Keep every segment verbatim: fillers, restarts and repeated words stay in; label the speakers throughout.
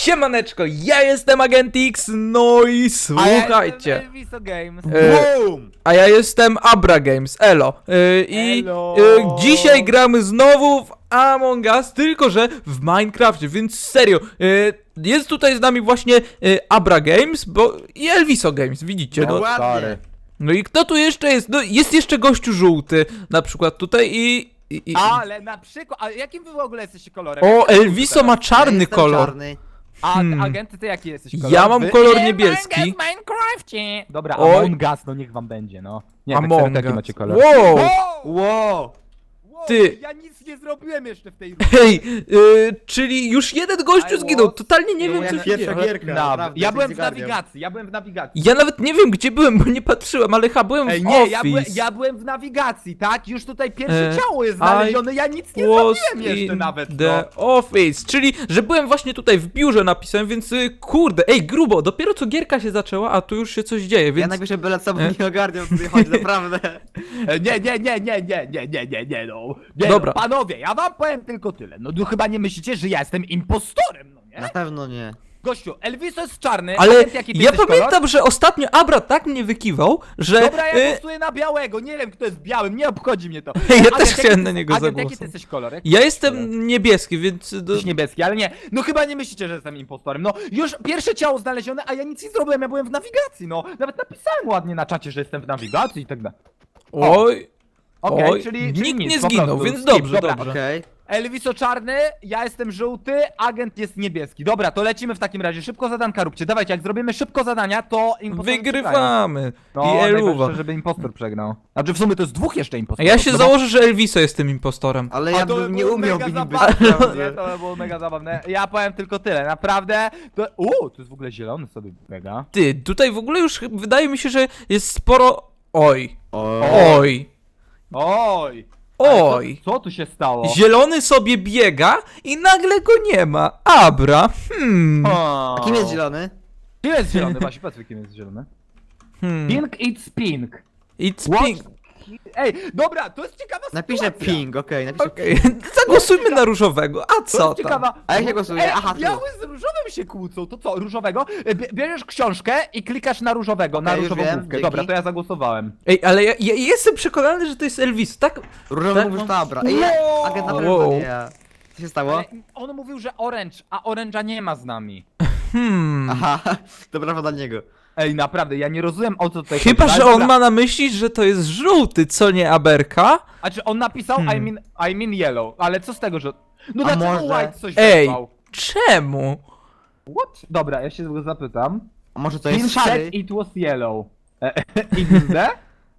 Speaker 1: Siemaneczko, ja jestem Agent X, no i słuchajcie.
Speaker 2: A ja Elviso Games.
Speaker 1: E, a ja jestem Abra Games, elo. E, I
Speaker 2: Elo.
Speaker 1: e, dzisiaj gramy znowu w Among Us, tylko że w Minecrafcie, więc serio. E, jest tutaj z nami właśnie e, Abra Games bo, i Elviso Games, widzicie.
Speaker 3: No
Speaker 1: No,
Speaker 3: ładnie.
Speaker 1: no i kto tu jeszcze jest? No jest jeszcze gościu żółty, na przykład tutaj i... i, i
Speaker 2: Ale na przykład, a jakim wy w ogóle jesteście kolorem?
Speaker 1: o,
Speaker 2: Jaki
Speaker 1: Elviso ma
Speaker 3: Ja
Speaker 1: czarny
Speaker 3: jestem
Speaker 1: kolor.
Speaker 3: Czarny.
Speaker 2: A
Speaker 1: Hmm.
Speaker 2: agenty, ty jaki jesteś kolor?
Speaker 1: Ja mam
Speaker 2: Wy-
Speaker 1: kolor
Speaker 2: Nie,
Speaker 1: niebieski.
Speaker 2: Minecraft, Minecrafcie. Dobra,
Speaker 1: Oj.
Speaker 2: Among Us, no niech wam będzie, no. Nie, tak
Speaker 1: Among
Speaker 2: serio, jaki
Speaker 1: Us.
Speaker 2: macie kolor?
Speaker 1: Wow!
Speaker 2: Wow!
Speaker 3: Wow.
Speaker 2: Wow,
Speaker 1: Ty.
Speaker 2: Ja nic nie zrobiłem jeszcze w tej
Speaker 1: Hej, y, czyli już jeden gościu
Speaker 2: I
Speaker 1: zginął,
Speaker 2: was-
Speaker 1: totalnie nie wiem
Speaker 3: Moja
Speaker 1: co się
Speaker 3: pierwsza
Speaker 1: dzieje.
Speaker 3: gierka.
Speaker 2: Na,
Speaker 3: naprawdę,
Speaker 2: ja byłem
Speaker 3: się
Speaker 2: w
Speaker 3: zgarniam.
Speaker 2: nawigacji, ja byłem w nawigacji.
Speaker 1: Ja nawet nie wiem gdzie byłem, bo nie patrzyłem, ale chyba byłem
Speaker 2: Ej,
Speaker 1: w
Speaker 2: nie,
Speaker 1: office.
Speaker 2: ja byłem, ja byłem w nawigacji, tak? Już tutaj pierwsze
Speaker 1: E,
Speaker 2: ciało jest znalezione, ja nic nie
Speaker 1: Was
Speaker 2: zrobiłem jeszcze
Speaker 1: in
Speaker 2: nawet,
Speaker 1: the
Speaker 2: no.
Speaker 1: office, czyli że byłem właśnie tutaj w biurze napisałem, więc y, kurde, ej grubo, dopiero co gierka się zaczęła, a tu już się coś dzieje,
Speaker 3: Ja
Speaker 1: więc...
Speaker 3: najpierw byle co
Speaker 1: E?
Speaker 3: nie ogarniam, co tutaj chodzi, naprawdę.
Speaker 2: E, Nie, nie, nie, nie, nie, nie, nie, nie, nie, no. Nie,
Speaker 1: Dobra.
Speaker 2: No, panowie, ja wam powiem tylko tyle. No tu chyba nie myślicie, że ja jestem impostorem, no
Speaker 3: Na
Speaker 2: nie?
Speaker 3: pewno nie.
Speaker 2: Gościu, Elviso jest czarny,
Speaker 1: Ale
Speaker 2: agent, jaki ty
Speaker 1: ja
Speaker 2: jesteś
Speaker 1: pamiętam,
Speaker 2: kolor?
Speaker 1: że ostatnio Abra tak mnie wykiwał, że...
Speaker 2: Dobra, ja
Speaker 1: y,
Speaker 2: głosuję na białego, nie wiem kto jest białym, nie obchodzi mnie to.
Speaker 1: Ja
Speaker 2: Agent,
Speaker 1: też
Speaker 2: jaki
Speaker 1: chciałem
Speaker 2: ty-
Speaker 1: na niego
Speaker 2: agent, jaki ty
Speaker 1: zagłosować.
Speaker 2: jesteś kolor? Jaki
Speaker 1: ja
Speaker 2: ty kolor?
Speaker 1: jestem niebieski, więc... y, Do...
Speaker 2: Jesteś niebieski, ale nie. No chyba nie myślicie, że jestem impostorem. No już pierwsze ciało znalezione, a ja nic nie zrobiłem, ja byłem w nawigacji, no. Nawet napisałem ładnie na czacie, że jestem w nawigacji i tak dalej.
Speaker 1: Oj...
Speaker 2: Okej,
Speaker 1: Oj,
Speaker 2: czyli, czyli
Speaker 1: nikt
Speaker 2: nic,
Speaker 1: nie
Speaker 2: po
Speaker 1: zginął,
Speaker 2: prostu.
Speaker 1: więc
Speaker 2: Skip,
Speaker 1: dobrze,
Speaker 2: dobra.
Speaker 1: dobrze.
Speaker 3: Okej.
Speaker 2: Elviso czarny, ja jestem żółty, agent jest niebieski. Dobra, to lecimy w takim razie. Szybko zadanka róbcie. Dawajcie, jak zrobimy szybko zadania, to impostorzy przegrają.
Speaker 1: Wygrywamy.
Speaker 2: No,
Speaker 1: I Eluwa.
Speaker 2: najważniejsze, żeby impostor przegrał. Znaczy w sumie to jest dwóch jeszcze
Speaker 1: A
Speaker 2: impostorów.
Speaker 1: ja się
Speaker 2: no bo-
Speaker 1: założę, że Elviso jestem impostorem.
Speaker 3: Ale
Speaker 2: A
Speaker 3: ja
Speaker 2: to
Speaker 3: bym
Speaker 2: by
Speaker 3: nie
Speaker 2: było
Speaker 3: umiał
Speaker 2: mega
Speaker 3: niby,
Speaker 2: zabawne, Nie,
Speaker 3: naprawdę.
Speaker 2: to by było mega zabawne. Ja powiem tylko tyle, naprawdę. To... Uuu, to jest w ogóle zielony sobie mega.
Speaker 1: Ty, tutaj w ogóle już ch- wydaje mi się, że jest sporo... Oj.
Speaker 3: O.
Speaker 1: Oj.
Speaker 2: Oj! Ale
Speaker 1: Oj.
Speaker 2: Co, co tu się stało?
Speaker 1: Zielony sobie biega i nagle go nie ma. Abra. Hmm.
Speaker 2: O.
Speaker 3: A kim jest zielony?
Speaker 2: Kim jest zielony? Właśnie, powiedz mi, kim jest zielony.
Speaker 1: hmm.
Speaker 2: Pink it's pink.
Speaker 1: It's
Speaker 2: What?
Speaker 1: pink.
Speaker 2: Ej, dobra, to jest ciekawa
Speaker 3: Napiszę
Speaker 2: sytuacja.
Speaker 3: ping, okej, napiszę
Speaker 1: Okej,
Speaker 3: ping.
Speaker 1: zagłosujmy na różowego. A
Speaker 2: To
Speaker 1: co
Speaker 2: jest
Speaker 1: tam?
Speaker 2: ciekawa.
Speaker 3: A jak się głosuje?
Speaker 2: Ej,
Speaker 3: Aha, tu.
Speaker 2: biały z różowym się kłócą, to co, różowego? E, bie- Bierzesz książkę i klikasz na różowego, na
Speaker 3: Okej, już
Speaker 2: różową
Speaker 3: wiem,
Speaker 2: główkę.
Speaker 3: dzięki.
Speaker 2: Dobra, to ja zagłosowałem.
Speaker 1: Ej, ale ja, ja jestem przekonany, że to jest Elvis. Tak?
Speaker 3: Różowy
Speaker 1: Tak?
Speaker 3: mówisz dobra. Ej, ja, agent na pewno
Speaker 1: Wow.
Speaker 3: nie ja. Co się stało?
Speaker 2: Ale on mówił, że orange, a orange'a nie ma z nami.
Speaker 1: Hmm.
Speaker 3: Aha, to brawo dla niego.
Speaker 2: Ej, naprawdę, ja nie rozumiem o co tutaj
Speaker 1: Chyba,
Speaker 2: chodzi.
Speaker 1: że
Speaker 2: Ale
Speaker 1: on
Speaker 2: dobra.
Speaker 1: ma na myśli, że to jest żółty, co nie Aberka?
Speaker 2: A czy on napisał
Speaker 1: Hmm.
Speaker 2: I mean, I mean yellow, ale co z tego, że... No
Speaker 3: A
Speaker 2: dlaczego
Speaker 3: może-
Speaker 2: white coś
Speaker 1: Ej.
Speaker 2: wezwał?
Speaker 1: Czemu?
Speaker 2: What? Dobra, ja się tego zapytam.
Speaker 3: A może to
Speaker 2: Pin
Speaker 3: jest szary?
Speaker 2: said it was yellow. E, X D?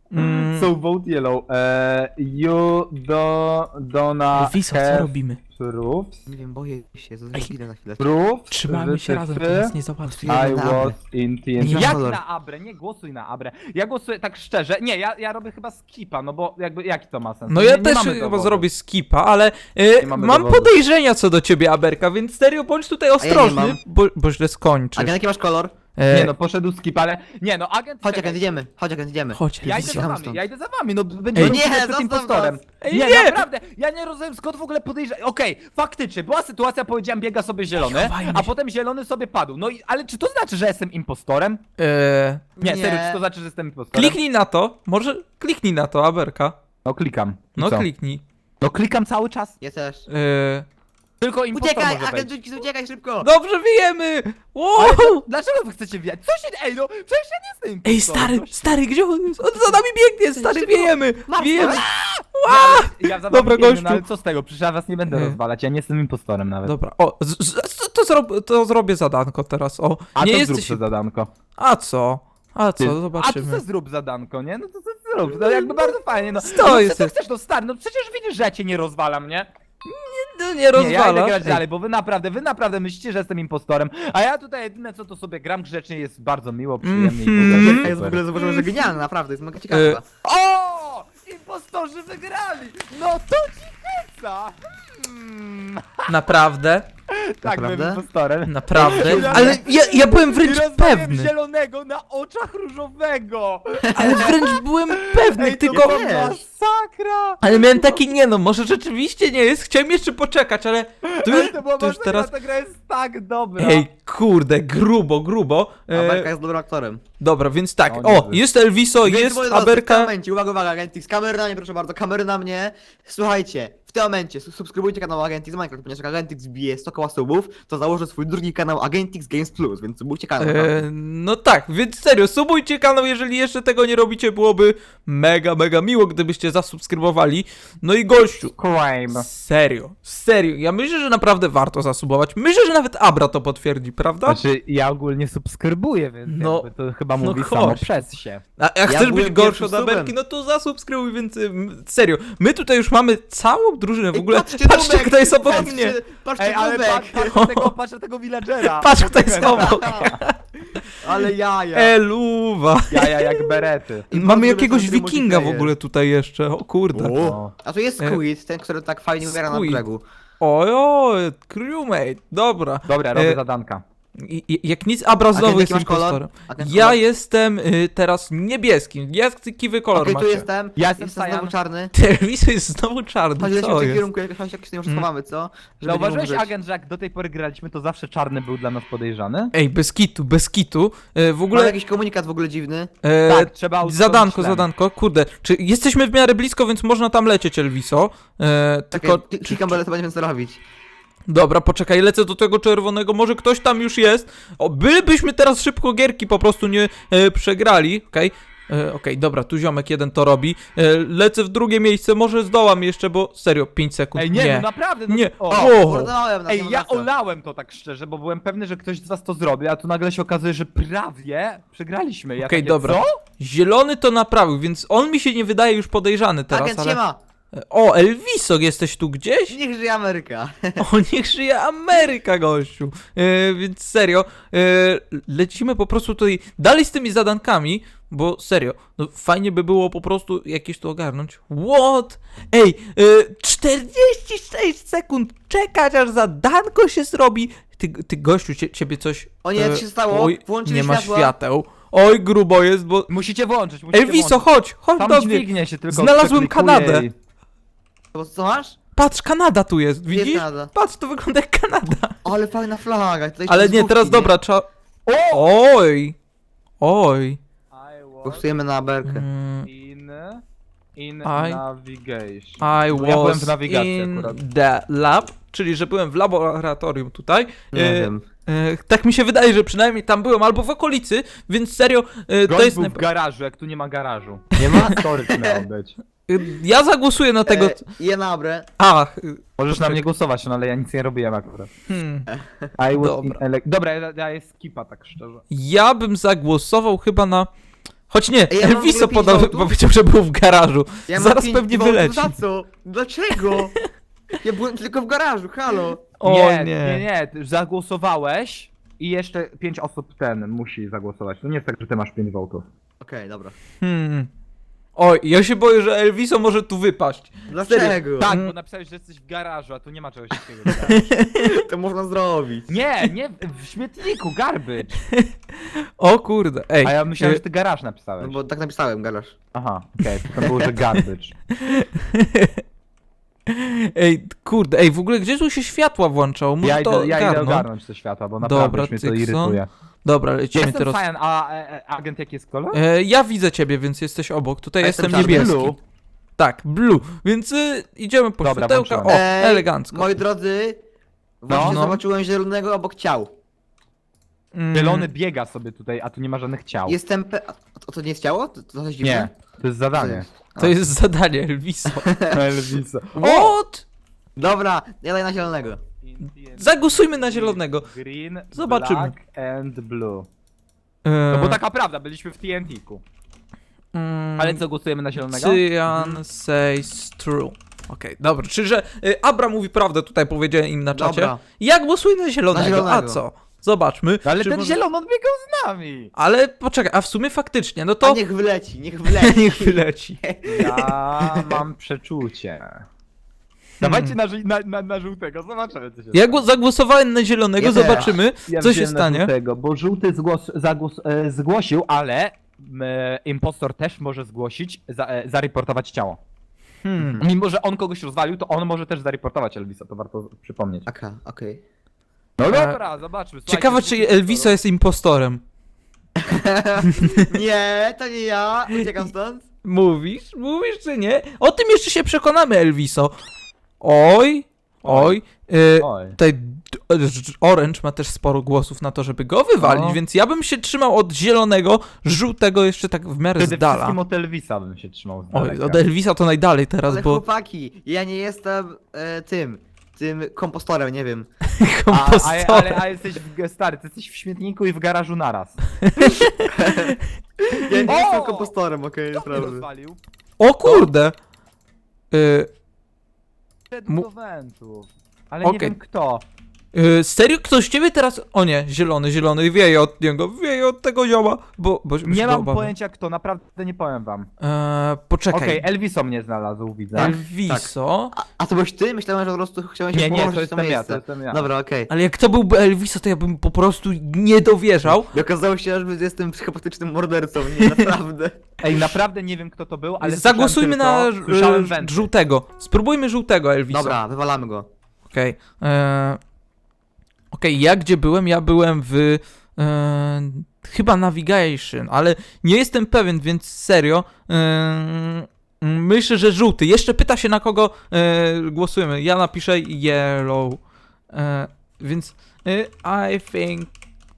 Speaker 1: Mm.
Speaker 2: So vote yellow. E, you do, dona
Speaker 1: Elviso, co
Speaker 2: have
Speaker 1: robimy?
Speaker 2: proofs.
Speaker 3: Nie wiem, boję się,
Speaker 1: Ej.
Speaker 3: zaraz za chwilę.
Speaker 2: Proofs.
Speaker 1: Trzymajmy się razem, to nas nie załatwi.
Speaker 3: Ja
Speaker 2: I
Speaker 3: na
Speaker 2: was
Speaker 3: Abrę.
Speaker 2: in T N
Speaker 1: Nie
Speaker 2: T.
Speaker 1: ma
Speaker 2: Jak
Speaker 3: kolor.
Speaker 2: na Abrę? Nie głosuj na Abrę. Ja głosuję tak szczerze. Nie, ja, ja robię chyba skipa, no bo jakby jaki to ma sens?
Speaker 1: No
Speaker 2: nie,
Speaker 1: ja
Speaker 2: nie
Speaker 1: też
Speaker 2: mamy
Speaker 1: chyba
Speaker 2: dowodu.
Speaker 1: zrobię skipa, ale e,
Speaker 2: Nie mamy
Speaker 1: mam
Speaker 2: dowodu.
Speaker 1: podejrzenia co do ciebie, Aberka, więc serio bądź tutaj
Speaker 3: nie
Speaker 1: ostrożny,
Speaker 3: mam.
Speaker 1: bo, bo źle skończysz.
Speaker 3: Agent, jaki masz kolor?
Speaker 1: E,
Speaker 2: Nie no, poszedł skip, ale... Nie no, agent...
Speaker 3: Chodź,
Speaker 2: czekaj.
Speaker 3: agent, idziemy. Chodź, agent, idziemy.
Speaker 1: Chodź,
Speaker 2: Ja idę
Speaker 1: Elviso.
Speaker 2: za
Speaker 3: Siadam
Speaker 2: wami,
Speaker 3: stąd.
Speaker 2: ja idę za wami, no będziemy
Speaker 1: Ej,
Speaker 3: nie,
Speaker 2: przed
Speaker 3: zostaw
Speaker 2: impostorem.
Speaker 3: nas.
Speaker 1: Ej,
Speaker 2: nie,
Speaker 1: nie.
Speaker 2: naprawdę, ja nie rozumiem skąd w ogóle podejrzewam. Okej, faktycznie, była sytuacja, powiedziałem biega sobie zielony,
Speaker 1: chowajmy
Speaker 2: a
Speaker 1: się.
Speaker 2: potem zielony sobie padł. No i, ale czy to znaczy, że jestem impostorem?
Speaker 1: E,
Speaker 2: Nie,
Speaker 3: Nie.
Speaker 2: serio, czy to znaczy, że jestem impostorem?
Speaker 1: kliknij na to, może kliknij na to, Aberka.
Speaker 2: No klikam. I
Speaker 1: No
Speaker 2: co?
Speaker 1: kliknij.
Speaker 2: No klikam cały czas.
Speaker 3: Ja też.
Speaker 1: E,
Speaker 2: Tylko impostor
Speaker 3: Uciekaj,
Speaker 2: może
Speaker 3: agent,
Speaker 2: wejść.
Speaker 3: uciekaj szybko!
Speaker 1: dobrze, wiemy! Wow!
Speaker 2: Ale to, dlaczego wy chcecie wjechać? Co się... Ej no, przecież ja nie jestem impostorem.
Speaker 1: Ej, stary,
Speaker 2: Co się-
Speaker 1: stary, gdzie on jest? On za nami biegnie, stary,
Speaker 3: Szybko.
Speaker 1: wiejemy!
Speaker 3: Masz
Speaker 1: Wiejemy!
Speaker 2: Nie, ale Ja za
Speaker 1: Dobra,
Speaker 2: wami biegnę,
Speaker 1: gościu.
Speaker 2: no, ale co z tego? Przecież ja was nie będę
Speaker 1: Nie.
Speaker 2: rozwalać, ja nie jestem impostorem nawet.
Speaker 1: Dobra, o, z, z, to, to, zrob, to zrobię zadanko teraz, o.
Speaker 2: A
Speaker 1: nie
Speaker 2: to
Speaker 1: jesteś...
Speaker 2: zrób to zadanko.
Speaker 1: A co? A co,
Speaker 2: Ty- A to
Speaker 1: zobaczymy.
Speaker 2: co zrób zadanko, nie? No to co zrób, no jakby bardzo fajnie, no.
Speaker 1: Sto
Speaker 2: no co
Speaker 1: jest-
Speaker 2: ty chcesz, no stary, no przecież widzisz, że ja cię nie rozwalam, nie?
Speaker 1: No, nie
Speaker 2: Nie, ja
Speaker 1: rozwala.
Speaker 2: idę grać
Speaker 1: Ej,
Speaker 2: dalej, bo wy naprawdę, wy naprawdę myślicie, że jestem impostorem, a ja tutaj jedyne co to sobie gram grzecznie, jest bardzo miło, przyjemnie i w ogóle
Speaker 1: Mhm.
Speaker 3: Ja jest w ogóle zauważyłem, że genialny, naprawdę, jest mega ciekawa.
Speaker 1: E,
Speaker 2: O! Impostorzy wygrali! No to ci heca! Hmm.
Speaker 1: Naprawdę?
Speaker 2: Tak, byłem
Speaker 3: Naprawdę?
Speaker 2: impostorem.
Speaker 1: Naprawdę?
Speaker 2: Ja-
Speaker 1: Ale ja, ja byłem
Speaker 2: I
Speaker 1: wręcz
Speaker 2: rozmawiam
Speaker 1: pewny.
Speaker 2: zielonego na oczach różowego!
Speaker 1: Ale wręcz byłem pewny,
Speaker 2: Ej, to
Speaker 1: tylko...
Speaker 2: była
Speaker 3: wiesz.
Speaker 2: masakra!
Speaker 1: Ale miałem taki, nie no, może rzeczywiście nie jest, chciałem jeszcze poczekać, ale to już,
Speaker 2: Ej, to była
Speaker 1: to już
Speaker 2: masakra,
Speaker 1: teraz...
Speaker 2: ta gra jest tak dobra!
Speaker 1: Ej, kurde, grubo, grubo.
Speaker 3: Aberka
Speaker 1: E,
Speaker 3: jest dobrym aktorem.
Speaker 1: dobra, więc tak,
Speaker 2: O,
Speaker 1: o,
Speaker 2: niezły.
Speaker 1: jest Elviso,
Speaker 3: Więc,
Speaker 1: jest
Speaker 3: moi drodzy, W
Speaker 1: Aberka.
Speaker 3: tym momencie, uwaga, uwaga, Agentix, kamery na mnie, proszę bardzo, kamery na mnie. Słuchajcie, w tym momencie su- subskrybujcie kanał Agentix Minecraft, ponieważ jak Agentix bije sto koła subów, to założę swój drugi kanał Agentix Games Plus, więc subujcie kanał.
Speaker 1: E, no tak, więc serio, subujcie kanał, jeżeli jeszcze tego nie robicie, byłoby mega, mega miło, gdybyście zasubskrybowali. No i gościu,
Speaker 2: Crime.
Speaker 1: serio, serio, ja myślę, że naprawdę warto zasubować. Myślę, że nawet Abra to potwierdzi, prawda?
Speaker 2: Znaczy, ja ogólnie subskrybuję, więc
Speaker 1: No,
Speaker 2: jakby to chyba
Speaker 1: no
Speaker 2: mówi
Speaker 1: chodź.
Speaker 2: samo przez się.
Speaker 1: A jak chcesz być
Speaker 3: byłem
Speaker 1: gorszy
Speaker 3: pierwszym
Speaker 1: od Aberki,
Speaker 3: subem.
Speaker 1: no to zasubskrybuj, więc ym, serio. My tutaj już mamy całą drużynę, w ogóle
Speaker 3: patrzcie,
Speaker 1: patrzcie,
Speaker 3: Nubek,
Speaker 1: kto jest obok
Speaker 3: patrzcie,
Speaker 1: mnie.
Speaker 3: Patrzcie,
Speaker 2: Ej, ale
Speaker 3: Nubek.
Speaker 2: patrz, patrz na tego, patrz na tego villagera!
Speaker 1: Patrz, kto jest obok.
Speaker 3: Ale jaja.
Speaker 1: Eluwa.
Speaker 2: Jaja jak berety.
Speaker 1: I mamy
Speaker 3: bardzo
Speaker 1: jakiegoś
Speaker 3: dobry
Speaker 1: wikinga w
Speaker 3: multiplayer.
Speaker 1: ogóle tutaj jeszcze, o kurde.
Speaker 2: O.
Speaker 3: A tu jest
Speaker 1: E,
Speaker 3: Squid, ten, który tak fajnie umiera na
Speaker 1: Squid.
Speaker 3: brzegu.
Speaker 1: Oj, oj, crewmate, dobra.
Speaker 2: Dobra, robię
Speaker 1: E,
Speaker 2: zadanka.
Speaker 1: I, i, jak nic, Abra znowu
Speaker 3: Agent,
Speaker 1: jest
Speaker 3: jaki masz kolor?
Speaker 1: impostorem.
Speaker 3: Agent,
Speaker 1: Ja
Speaker 3: kolor?
Speaker 1: jestem y, teraz niebieskim. Jaki kolor
Speaker 3: Okej, tu
Speaker 1: macie?
Speaker 3: jestem.
Speaker 2: Ja jestem
Speaker 3: Jestem
Speaker 2: Cyan.
Speaker 3: znowu czarny.
Speaker 1: Telewizor jest znowu czarny,
Speaker 3: Chodź, lecimy
Speaker 1: co
Speaker 3: w tym
Speaker 1: jest?
Speaker 3: kierunku, jak chodź, jak się nie
Speaker 1: Hmm.
Speaker 3: schowamy, co? Żeby nie
Speaker 2: Zauważyłeś,
Speaker 3: umrzeć.
Speaker 2: agent, że jak do tej pory graliśmy, to zawsze czarny był dla nas podejrzany?
Speaker 1: Ej, bez kitu, bez kitu. E, w
Speaker 3: Mam
Speaker 1: ogóle...
Speaker 3: jakiś komunikat w ogóle dziwny.
Speaker 1: E,
Speaker 2: Tak, trzeba usunąć
Speaker 1: Zadanko,
Speaker 2: tlen.
Speaker 1: zadanko, kurde. Czy jesteśmy w miarę blisko, więc można tam lecieć, Elviso. E,
Speaker 3: Tylko...
Speaker 1: tylko...
Speaker 3: Klikam, byle to będziemy co robić.
Speaker 1: Dobra, poczekaj, lecę do tego czerwonego, może ktoś tam już jest. O, bylibyśmy teraz szybko gierki po prostu nie e, przegrali, okej. E, Okej, dobra, tu ziomek jeden to robi. E, lecę w drugie miejsce, może zdołam jeszcze, bo serio, pięć sekund.
Speaker 2: Ej, nie,
Speaker 1: nie.
Speaker 2: no naprawdę, no
Speaker 1: Nie.
Speaker 2: O.
Speaker 1: O.
Speaker 3: Mordowałem na
Speaker 2: Ej,
Speaker 3: tym
Speaker 2: ja
Speaker 3: zawsze.
Speaker 2: olałem to tak szczerze, bo byłem pewny, że ktoś z was to zrobi, a tu nagle się okazuje, że prawie przegraliśmy. Ja
Speaker 1: Okej,
Speaker 2: takie,
Speaker 1: dobra.
Speaker 2: Co?
Speaker 1: Zielony to naprawił, więc on mi się nie wydaje już podejrzany teraz,
Speaker 3: Agent
Speaker 1: ale...
Speaker 3: się ma!
Speaker 1: O, Elviso, jesteś tu gdzieś?
Speaker 3: Niech żyje Ameryka.
Speaker 1: O, niech żyje Ameryka, gościu. E, więc serio, e, lecimy po prostu tutaj dalej z tymi zadankami, bo serio, no fajnie by było po prostu jakieś tu ogarnąć. What? Ej, e, czterdzieści sześć sekund czekać, aż zadanko się zrobi. Ty, ty gościu, cie, ciebie coś...
Speaker 3: O nie, co się stało?
Speaker 1: Oj,
Speaker 3: Włączyli
Speaker 1: nie ma
Speaker 3: światła.
Speaker 1: świateł. Oj, grubo jest, bo...
Speaker 2: Musicie włączyć, musicie
Speaker 1: Elviso,
Speaker 2: włączyć.
Speaker 1: chodź, chodź
Speaker 2: Tam
Speaker 1: do mnie.
Speaker 2: dźwignie się tylko
Speaker 1: Znalazłem
Speaker 2: przeklikuje
Speaker 1: Kanadę.
Speaker 2: i-
Speaker 3: To co masz?
Speaker 1: Patrz, Kanada tu jest,
Speaker 3: Gdzie jest
Speaker 1: widzisz?
Speaker 3: Kanada?
Speaker 1: Patrz, to wygląda jak Kanada.
Speaker 3: Ale fajna flaga. Tutaj
Speaker 1: Ale
Speaker 3: jeszcze
Speaker 1: nie,
Speaker 3: z
Speaker 1: teraz
Speaker 3: główki,
Speaker 1: dobra, trzeba...
Speaker 2: O!
Speaker 1: Oj! Oj!
Speaker 2: I was
Speaker 3: Głosujemy na Aberkę.
Speaker 1: Mm,
Speaker 2: in... in
Speaker 1: I-
Speaker 2: navigation.
Speaker 1: I
Speaker 2: No, ja byłem
Speaker 1: was
Speaker 2: w nawigacji
Speaker 1: in
Speaker 2: akurat.
Speaker 1: the lab, czyli że byłem w laboratorium tutaj.
Speaker 3: Nie
Speaker 1: E,
Speaker 3: wiem.
Speaker 1: e, tak mi się wydaje, że przynajmniej tam byłem, albo w okolicy, więc serio, e, to
Speaker 2: Gość
Speaker 1: jest...
Speaker 2: był w
Speaker 1: najpra-
Speaker 2: garażu, jak tu nie ma garażu.
Speaker 3: Nie ma?
Speaker 2: Storage miał być.
Speaker 1: e, Ja zagłosuję na tego...
Speaker 3: E, je na Abrę.
Speaker 1: Ach, e,
Speaker 2: Możesz na mnie głosować, no ale ja nic nie robiłem akurat.
Speaker 1: hmm.
Speaker 2: I was
Speaker 1: Dobra.
Speaker 2: in ele- Dobra, ja daję skipa tak szczerze.
Speaker 1: Ja bym zagłosował chyba na... Choć nie,
Speaker 3: Ej, ja mam w
Speaker 1: Elviso
Speaker 3: ogóle pięć
Speaker 1: podał,
Speaker 3: votów?
Speaker 1: powiedział, że był w garażu.
Speaker 3: Ja mam
Speaker 1: Zaraz
Speaker 3: pięć
Speaker 1: pewnie
Speaker 3: votów.
Speaker 1: wyleci.
Speaker 3: Za co? Dlaczego? Ja byłem tylko w garażu, halo.
Speaker 1: O
Speaker 2: nie,
Speaker 1: nie.
Speaker 2: nie, nie, ty zagłosowałeś i jeszcze pięć osób ten musi zagłosować. To nie jest tak, że ty masz pięć votów.
Speaker 3: Okej, dobra.
Speaker 1: Hmm. Oj, ja się boję, że Elviso może tu wypaść.
Speaker 3: Dlaczego?
Speaker 2: Tak,
Speaker 1: Mm.
Speaker 2: bo napisałeś, że jesteś w garażu, a tu nie ma czegoś takiego.
Speaker 3: To można zrobić.
Speaker 2: Nie, nie, w śmietniku, garbage.
Speaker 1: O kurde, ej.
Speaker 2: A ja myślałem,
Speaker 1: e,
Speaker 2: że ty garaż
Speaker 3: No
Speaker 2: napisałeś.
Speaker 3: bo tak napisałem, garaż.
Speaker 2: Aha, okej, to było, że garbage.
Speaker 1: Ej, kurde, ej, w ogóle gdzie tu się światła włączało? Może
Speaker 2: Ja
Speaker 1: to
Speaker 2: idę, ja idę
Speaker 1: ogarnąć?
Speaker 2: ogarnąć te światła, bo naprawdę
Speaker 1: Dobra,
Speaker 2: już mnie to
Speaker 1: Tykson.
Speaker 2: irytuje.
Speaker 1: Dobra, lecimy
Speaker 2: Jestem
Speaker 1: teraz.
Speaker 2: Cyan, a e, e, agent jaki jest kolor?
Speaker 1: E, ja widzę ciebie, więc jesteś obok. Tutaj
Speaker 3: A
Speaker 1: jestem
Speaker 3: jestem czarny.
Speaker 1: niebieski.
Speaker 2: Blue.
Speaker 1: Tak, blue. Więc y, idziemy po
Speaker 2: Dobra,
Speaker 1: światełka. O,
Speaker 2: włączyłem.
Speaker 3: Ej,
Speaker 1: elegancko.
Speaker 3: Moi drodzy, właśnie
Speaker 1: No, no.
Speaker 3: zobaczyłem zielonego obok ciał.
Speaker 1: Mm,
Speaker 2: Zielony biega sobie tutaj, a tu nie ma żadnych ciał.
Speaker 3: Jestem pe... A to, to nie jest ciało? To, to coś dziwne?
Speaker 2: Nie, to jest zadanie.
Speaker 1: To jest zadanie, Elviso.
Speaker 2: Elvisa.
Speaker 1: What?
Speaker 3: Dobra, ja daję na zielonego.
Speaker 1: Zagłosujmy na zielonego.
Speaker 2: Green,
Speaker 1: Zobaczymy.
Speaker 2: black and blue.
Speaker 1: E,
Speaker 2: No bo taka prawda, byliśmy w T N T-ku.
Speaker 1: mm,
Speaker 2: Ale co, głosujemy na zielonego?
Speaker 1: Cyan says true. Okej, dobra, czyli że y, Abra mówi prawdę, tutaj powiedziałem im na czacie.
Speaker 3: Dobra.
Speaker 1: Ja głosuję na zielonego,
Speaker 3: Na zielonego.
Speaker 1: a co? Zobaczmy.
Speaker 2: No ale
Speaker 1: czy
Speaker 2: ten
Speaker 1: może-
Speaker 2: zielony odbiegał z nami!
Speaker 1: Ale poczekaj, a w sumie faktycznie, no
Speaker 3: To...
Speaker 1: to...
Speaker 3: A niech wyleci, niech wyleci.
Speaker 1: Niech wyleci.
Speaker 2: Ja mam przeczucie. Dawajcie na, ży- na, na, na żółtego, zobaczymy co się
Speaker 1: Ja
Speaker 2: stanie.
Speaker 1: gło- zagłosowałem na zielonego,
Speaker 3: Ja też.
Speaker 1: zobaczymy,
Speaker 2: Ja
Speaker 1: co się
Speaker 2: wziąłem na
Speaker 1: stanie.
Speaker 2: żółtego, bo żółty zgłos, zagłos, e, zgłosił, ale e, impostor też może zgłosić, za, e, zareportować ciało.
Speaker 1: Hmm.
Speaker 2: Mimo, że on kogoś rozwalił, to on może też zareportować Elvisa, to warto przypomnieć.
Speaker 3: Aka, okej.
Speaker 2: No
Speaker 1: E,
Speaker 2: dobra, zobaczmy.
Speaker 1: Ciekawe, czy Elviso jest impostorem.
Speaker 3: Nie, to nie ja, uciekam stąd.
Speaker 1: Mówisz? Mówisz czy nie? O tym jeszcze się przekonamy, Elviso. Oj, oj. y,
Speaker 2: Oj.
Speaker 1: Tutaj d- d- Orange ma też sporo głosów na to, żeby go wywalić,
Speaker 2: No.
Speaker 1: więc ja bym się trzymał od zielonego, żółtego jeszcze tak w miarę
Speaker 2: Przede
Speaker 1: z dala.
Speaker 2: wszystkim od Elvisa bym się trzymał z
Speaker 1: Oj,
Speaker 2: daleka.
Speaker 1: od Elvisa to najdalej teraz,
Speaker 3: Ale
Speaker 1: bo
Speaker 3: chłopaki, ja nie jestem e, tym, tym kompostorem, nie wiem.
Speaker 2: A, a,
Speaker 1: kompostorem.
Speaker 2: ale, a jesteś w, stary, ty jesteś w śmietniku i w garażu naraz.
Speaker 3: Ja nie
Speaker 2: O!
Speaker 3: jestem kompostorem, okej,
Speaker 2: Kto mnie
Speaker 3: naprawdę.
Speaker 2: rozwalił?
Speaker 1: O kurde! Y,
Speaker 2: Szedł
Speaker 1: Mu-
Speaker 2: do wentów. Ale
Speaker 1: Okej.
Speaker 2: nie wiem kto.
Speaker 1: y, serio? Ktoś ciebie teraz... O nie, zielony, zielony, wieje od niego, wieje od tego zioma, bo... bo się
Speaker 2: Nie
Speaker 1: go
Speaker 2: mam
Speaker 1: obawiam.
Speaker 2: pojęcia kto, naprawdę nie powiem wam.
Speaker 1: Eee, poczekaj.
Speaker 2: Okej, Elviso mnie znalazł, widzę.
Speaker 3: Tak.
Speaker 1: Elviso...
Speaker 3: A, a to byłeś ty? Myślałem, że po prostu chciałem się
Speaker 2: Nie, nie,
Speaker 3: położyć
Speaker 2: to
Speaker 3: w
Speaker 2: jestem ja,
Speaker 3: miejsce.
Speaker 2: to jestem ja.
Speaker 3: Dobra, okej.
Speaker 1: Ale jak to byłby Elviso, to ja bym po prostu nie dowierzał.
Speaker 3: I okazało się, że jestem psychopatycznym mordercą, nie, naprawdę.
Speaker 2: Ej, naprawdę nie wiem kto to był, ale
Speaker 1: Zagłosujmy
Speaker 2: słyszałem
Speaker 1: na
Speaker 2: tylko, słyszałem
Speaker 1: e,
Speaker 2: wenty.
Speaker 1: żółtego. Spróbujmy żółtego, Elviso.
Speaker 3: Dobra, wywalamy go.
Speaker 1: Okej. eee, Okej, ja gdzie byłem? Ja byłem w... eee, chyba Navigation, ale nie jestem pewien, więc serio... eee, myślę, że żółty. Jeszcze pyta się, na kogo eee, głosujemy. Ja napiszę yellow. Eee, więc... eee, I think...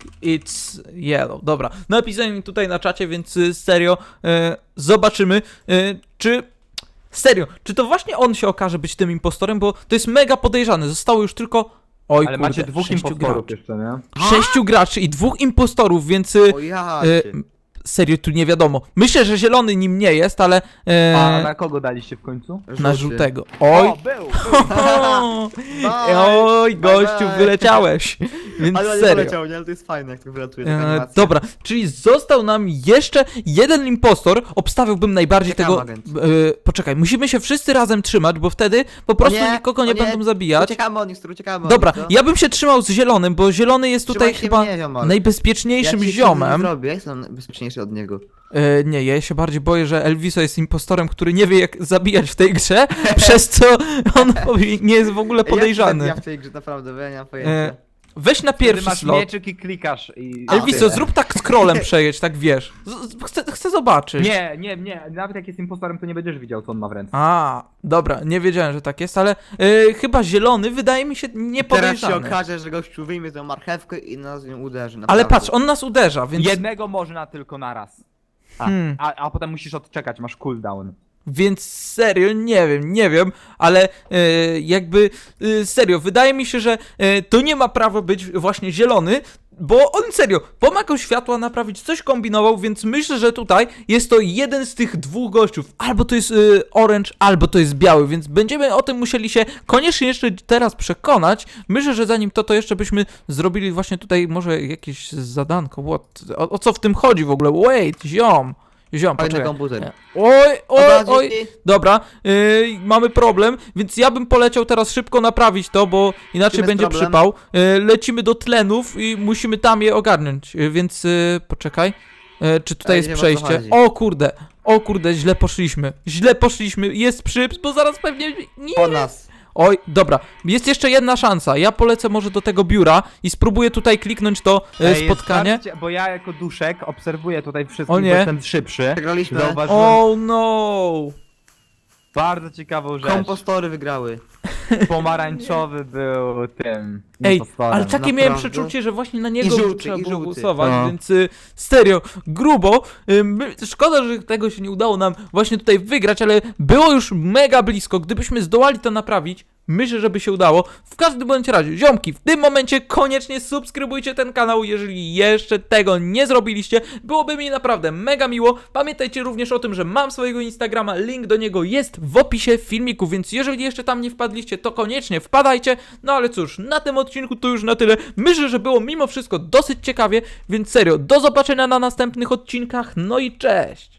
Speaker 1: It's yellow. Dobra, napisałem mi tutaj na czacie, więc y, serio e, zobaczymy, e, czy serio, czy to właśnie on się okaże być tym impostorem, bo to jest mega podejrzane. Zostało już tylko oj
Speaker 2: Ale
Speaker 1: kurde,
Speaker 2: macie dwóch
Speaker 1: sześciu
Speaker 2: impostorów
Speaker 1: graczy.
Speaker 2: jeszcze, nie?
Speaker 1: Sześciu graczy i dwóch impostorów, więc y,
Speaker 3: O ja
Speaker 1: e,
Speaker 3: cię.
Speaker 1: serio tu nie wiadomo. Myślę, że zielony nim nie jest, ale e,
Speaker 2: A na kogo daliście w końcu?
Speaker 1: na
Speaker 3: Żółty.
Speaker 1: żółtego. Oj.
Speaker 2: O, był! był.
Speaker 1: O,
Speaker 3: Bye.
Speaker 1: oj,
Speaker 3: Bye,
Speaker 1: gościu,
Speaker 3: bye.
Speaker 1: wyleciałeś. Więc
Speaker 3: Ale nie
Speaker 1: serio.
Speaker 3: poleciał, nie? Ale to jest fajne, jak to wylatuje taka
Speaker 1: E,
Speaker 3: animacja.
Speaker 1: dobra, czyli został nam jeszcze jeden impostor. Obstawiałbym najbardziej
Speaker 3: Czekam,
Speaker 1: tego.
Speaker 3: agent.
Speaker 1: E, poczekaj, musimy się wszyscy razem trzymać, bo wtedy po prostu
Speaker 3: nie,
Speaker 1: nikogo
Speaker 3: o
Speaker 1: nie,
Speaker 3: nie.
Speaker 1: będą zabijać.
Speaker 3: Uciekamy od nich, stru, uciekamy od
Speaker 1: Dobra,
Speaker 3: nich, co?
Speaker 1: ja bym się trzymał z zielonym, bo zielony jest tutaj
Speaker 3: Trzymaj się
Speaker 1: chyba
Speaker 3: mnie, ziomal.
Speaker 1: najbezpieczniejszym
Speaker 3: ja ci krzywdy nie
Speaker 1: ziomem.
Speaker 3: zrobię, ja jestem bezpieczniejszy od niego.
Speaker 1: E, nie, ja się bardziej boję, że Elviso jest impostorem, który nie wie jak zabijać w tej grze, przez co on nie jest w ogóle podejrzany.
Speaker 3: Ja w tej grze naprawdę, bo ja nie mam pojęcia.
Speaker 1: E, weź na
Speaker 2: Ty
Speaker 1: pierwszy
Speaker 2: masz
Speaker 1: slot.
Speaker 2: mieczyk i klikasz i...
Speaker 3: A,
Speaker 1: Elviso,
Speaker 3: tyle.
Speaker 1: zrób tak scrollem przejedź, tak wiesz. Z, z, chcę, chcę zobaczyć.
Speaker 2: Nie, nie, nie, nawet jak jest impostorem, to nie będziesz widział, co on ma w ręce.
Speaker 1: A, dobra, nie wiedziałem, że tak jest, ale y, chyba zielony wydaje mi się
Speaker 3: Teraz się
Speaker 1: niepodejrzany.
Speaker 3: okaże, że gościu wyjmie tę marchewkę i nas nią uderzy.
Speaker 1: Ale
Speaker 3: naprawdę.
Speaker 1: patrz, on nas uderza, więc...
Speaker 2: Jednego można tylko naraz. A,
Speaker 1: Hmm.
Speaker 2: a, a potem musisz odczekać, masz cooldown.
Speaker 1: Więc serio, nie wiem, nie wiem, ale y, jakby y, serio, wydaje mi się, że y, to nie ma prawa być właśnie zielony, bo on serio pomagał światła naprawić, coś kombinował, więc myślę, że tutaj jest to jeden z tych dwóch gościów. Albo to jest y, orange, albo to jest biały, więc będziemy o tym musieli się koniecznie jeszcze teraz przekonać. Myślę, że zanim to, to jeszcze byśmy zrobili właśnie tutaj może jakieś zadanko. What? O, o co w tym chodzi w ogóle? Wait, ziom. Ziom,
Speaker 3: Fajny
Speaker 1: poczekaj.
Speaker 3: komputer.
Speaker 1: Oj, oj,
Speaker 3: Dobra,
Speaker 1: oj.
Speaker 3: dzięki.
Speaker 1: Dobra, yy, mamy problem, więc ja bym poleciał teraz szybko naprawić to, bo inaczej
Speaker 3: Czym jest
Speaker 1: będzie
Speaker 3: problem?
Speaker 1: przypał. Yy, lecimy do tlenów i musimy tam je ogarnąć, yy, więc yy, poczekaj. Yy, czy tutaj
Speaker 3: Ej,
Speaker 1: jest
Speaker 3: nie wiem, o co
Speaker 1: przejście?
Speaker 3: chodzi.
Speaker 1: O kurde, o kurde, źle poszliśmy. Źle poszliśmy, jest przyps, bo zaraz pewnie... Nie.
Speaker 3: Po nas.
Speaker 1: Oj, dobra, jest jeszcze jedna szansa. Ja polecę może do tego biura i spróbuję tutaj kliknąć to yy,
Speaker 2: Ej,
Speaker 1: spotkanie.
Speaker 2: sprawdźcie, bo ja jako duszek obserwuję tutaj wszystkich,
Speaker 1: O nie.
Speaker 2: bo jestem szybszy.
Speaker 3: Przegraliśmy.
Speaker 2: Zauważyłem
Speaker 1: Oh no!
Speaker 2: bardzo ciekawą rzecz.
Speaker 3: Kompostory wygrały.
Speaker 2: Pomarańczowy był tym
Speaker 1: Ej,
Speaker 2: impostorem.
Speaker 1: ale takie miałem
Speaker 3: Naprawdę?
Speaker 1: przeczucie, że właśnie na niego
Speaker 3: I żółty,
Speaker 1: trzeba
Speaker 3: i
Speaker 1: było
Speaker 3: żółty.
Speaker 1: głosować,
Speaker 2: No.
Speaker 1: więc y, serio, grubo. Y, my, szkoda, że tego się nie udało nam właśnie tutaj wygrać, ale było już mega blisko. Gdybyśmy zdołali to naprawić, myślę, że by się udało. W każdym bądź razie, ziomki, w tym momencie koniecznie subskrybujcie ten kanał, jeżeli jeszcze tego nie zrobiliście. Byłoby mi naprawdę mega miło. Pamiętajcie również o tym, że mam swojego Instagrama, link do niego jest w opisie filmiku, więc jeżeli jeszcze tam nie wpadliście, to koniecznie wpadajcie. No ale cóż, na tym odcinku to już na tyle. Myślę, że było mimo wszystko dosyć ciekawie, więc serio, do zobaczenia na następnych odcinkach, no i cześć!